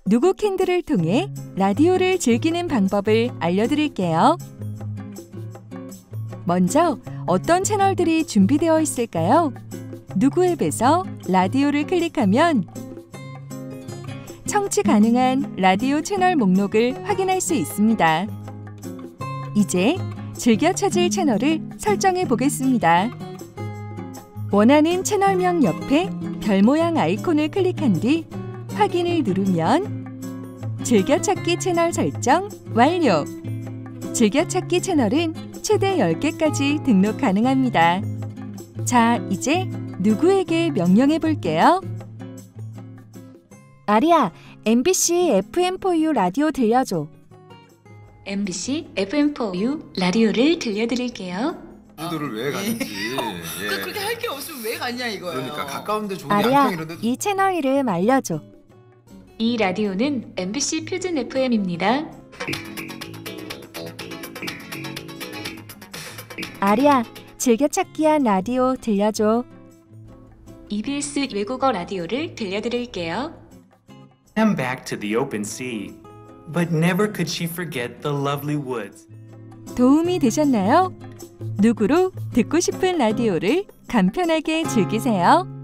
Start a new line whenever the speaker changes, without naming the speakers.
누구 캔들을 통해 라디오를 즐기는 방법을 알려드릴게요. 먼저 어떤 채널들이 준비되어 있을까요? 누구 앱에서 라디오를 클릭하면 청취 가능한 라디오 채널 목록을 확인할 수 있습니다. 이제 즐겨 찾을 채널을 설정해 보겠습니다. 원하는 채널명 옆에 별 모양 아이콘을 클릭한 뒤 확인을 누르면 즐겨찾기 채널 설정 완료! 즐겨찾기 채널은 최대 10개까지 등록 가능합니다. 자, 이제 누구에게 명령해 볼게요. 아리야, MBC FM4U 라디오 들려줘.
MBC FM4U 라디오를 들려드릴게요.
제주도를 왜 가는지. 예.
그렇게 할 게 없으면 왜 갔냐 이거예요.
그러니까 가까운데 좋은
아리야,
양평 이런 데.
이 채널 이름 알려줘.
이 라디오는 MBC 표준 FM입니다.
아리야, 즐겨찾기한 라디오 들려줘.
EBS 외국어 라디오를 들려드릴게요.
Swam back to the open sea, but never could she forget the lovely woods.
도움이 되셨나요? 누구로 듣고 싶은 라디오를 간편하게 즐기세요.